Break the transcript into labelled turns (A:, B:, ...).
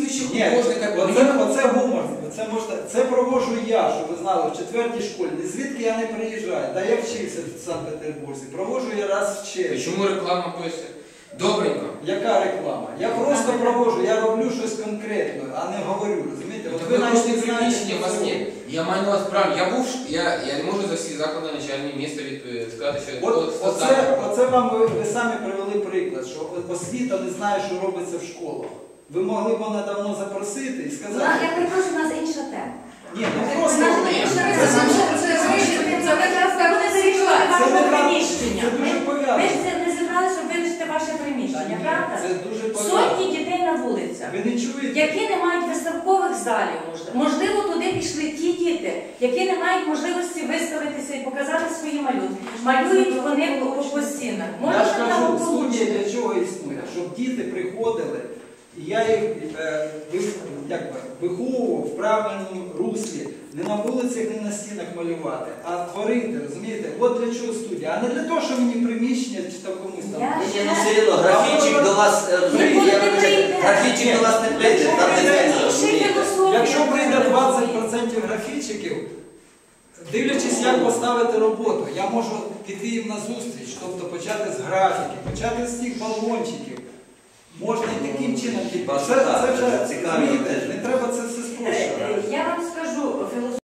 A: прізвище
B: Ні,
A: художника.
B: оце гумор. Це провожу я, щоб ви знали, в 4-й школі. Звідки я не приїжджаю? Та я вчився в Санкт-Петербурзі. Провожу я раз в червні.
A: Чому реклама пише? Добренько.
B: Яка реклама? Я просто провожу, я роблю щось конкретне, а не говорю, розумієте?
A: От ви навіть не приміщення, у вас є. Я маю на вас право. Я не можу за всі заклади начальні міста сказати, що
B: Оце вам ви самі привели приклад, що освіта не знає, що робиться в школах. Ви могли б мене давно запросити і сказати...
C: Я перепрошую, у нас інша тема.
B: Ні, ну просто... Це дуже пов'язано.
C: Ми ж не зібрали, щоб вирішити ваше приміщення, правда?
B: Це дуже пов'язано.
C: Сотні дітей на вулицях,
B: Ви не чуєте?
C: які не мають виставкових залів, можливо, туди пішли ті діти, які не мають можливості виставитися і показати свої малюнки. Малюють вони по стінах.
B: Я ж кажу, студія для чого існує? Щоб діти приходили, і я їх виховував в правильному руслі. Не на вулицях, не на стінах малювати, а творити, розумієте? От для чого студія, а не для того, що мені приміщення чи там комусь там.
D: Ну все одно, графічик до вас, графічик до вас не прийде, там не
B: Якщо прийде 20% графічиків, дивлячись, як поставити роботу, я можу піти їм на зустріч, тобто почати з графіки, почати з цих балончиків. Можна і таким чином. Це вже, розумієте, не треба це все спрощувати.
C: Я вам скажу,